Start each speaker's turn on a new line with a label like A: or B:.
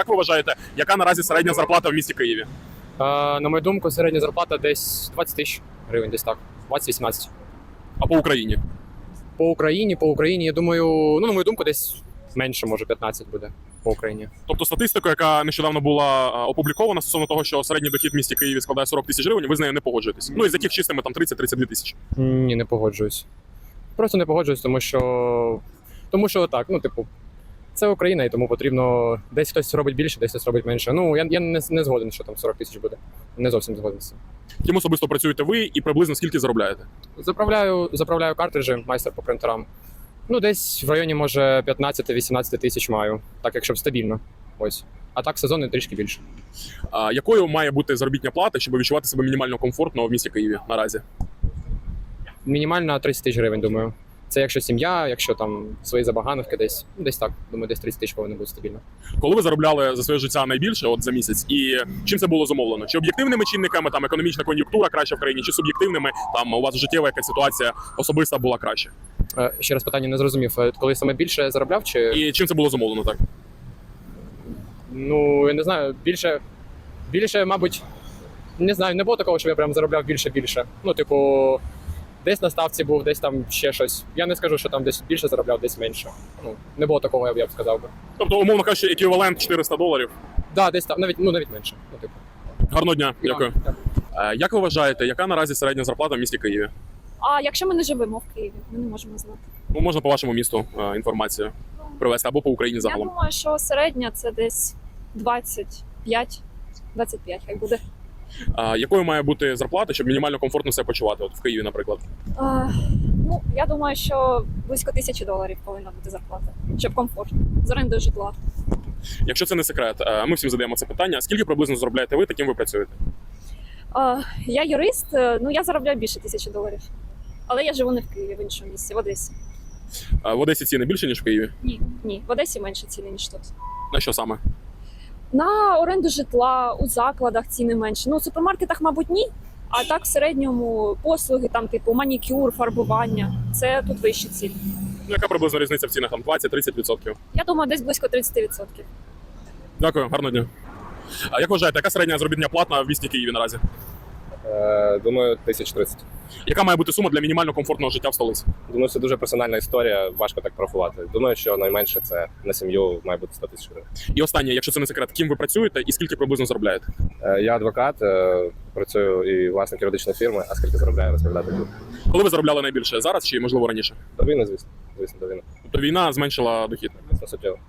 A: Як ви вважаєте, яка наразі середня зарплата в місті Києві?
B: На мою думку, середня зарплата десь 20 тисяч гривень, десь так. 20-18.
A: А по Україні?
B: По Україні, я думаю, на мою думку, десь менше, може 15 буде по Україні.
A: Тобто статистика, яка нещодавно була опублікована стосовно того, що середній дохід в місті Києві складає 40 тисяч гривень, ви з нею не погоджуєтесь? Ну, із яких чистими там 30-32 тисячі?
B: Ні, не погоджуюсь. Просто не погоджуюсь, тому що так, це Україна, і тому потрібно десь хтось робить більше, десь хтось робить менше. Я не згоден, що там 40 тисяч буде. Не зовсім згоден з цим.
A: Ким особисто працюєте ви і приблизно скільки заробляєте?
B: Заправляю картриджі, майстер по принтерам. Десь в районі, може, 15-18 тисяч маю, так якщо стабільно. Ось. А так сезонний трішки більше.
A: Якою має бути заробітня плата, щоб відчувати себе мінімально комфортно в місті Києві наразі?
B: Мінімально 30 тисяч гривень, думаю. Це якщо сім'я, якщо там свої забаганки десь так. Думаю, десь 30 тисяч повинно бути стабільно.
A: Коли ви заробляли за своє життя найбільше за місяць, і чим це було зумовлено? Чи об'єктивними чинниками, там економічна кон'юнктура краща в країні, чи суб'єктивними, там у вас життєва якась ситуація особиста була краща?
B: Ще раз питання не зрозумів. Коли саме більше заробляв, чи...
A: І чим це було зумовлено, так?
B: Я не знаю, більше, мабуть, не знаю, не було такого, що я прям заробляв більше. Десь на ставці був, десь там ще щось. Я не скажу, що там десь більше заробляв, десь менше. Не було такого, я б сказав би.
A: Тобто, умовно кажучи, еквівалент $400?
B: Так, десь там, навіть менше.
A: Гарного дня, дякую.
B: Так.
A: Як ви вважаєте, яка наразі середня зарплата в місті Києві?
C: А якщо ми не живемо в Києві, ми не можемо знати.
A: Можна по вашому місту інформацію привести або по Україні загалом.
C: Я думаю, що середня це десь 25 хай буде.
A: Якою має бути зарплата, щоб мінімально комфортно себе почувати? От в Києві, наприклад.
C: Я думаю, що близько $1000 повинна бути зарплата, щоб комфортно. З орендою житла.
A: Якщо це не секрет, ми всім задаємо це питання. Скільки приблизно заробляєте ви, таким ви працюєте?
C: Я юрист, я заробляю більше $1000. Але я живу не в Києві, в іншому місці, в Одесі.
A: В Одесі ціни більше, ніж в Києві?
C: Ні, в Одесі менше ціни, ніж тут.
A: На що саме?
C: На оренду житла, у закладах ціни менше. У супермаркетах, мабуть, ні. А так в середньому послуги, там, типу манікюр, фарбування. Це тут вищі ціни.
A: Яка приблизно різниця в цінах? Там 20-30%?
C: Я думаю, десь близько 30%.
A: Дякую, гарного дня. Як вважаєте, яка середня заробітна плата в місті Києві наразі?
D: Думаю, 1030.
A: Яка має бути сума для мінімально комфортного життя в столиці?
D: Думаю, це дуже персональна історія, важко так порахувати. Думаю, що найменше це на сім'ю має бути 100 тисяч гривень.
A: І останнє, якщо це не секрет, ким ви працюєте і скільки приблизно заробляєте?
D: Я адвокат, працюю і власник юридичної фірми, а скільки заробляю, розповідати буду.
A: Коли ви заробляли найбільше? Зараз чи, можливо, раніше?
D: До війни, звісно, до війни.
A: Тобто війна зменшила дохід?
D: Суттєво.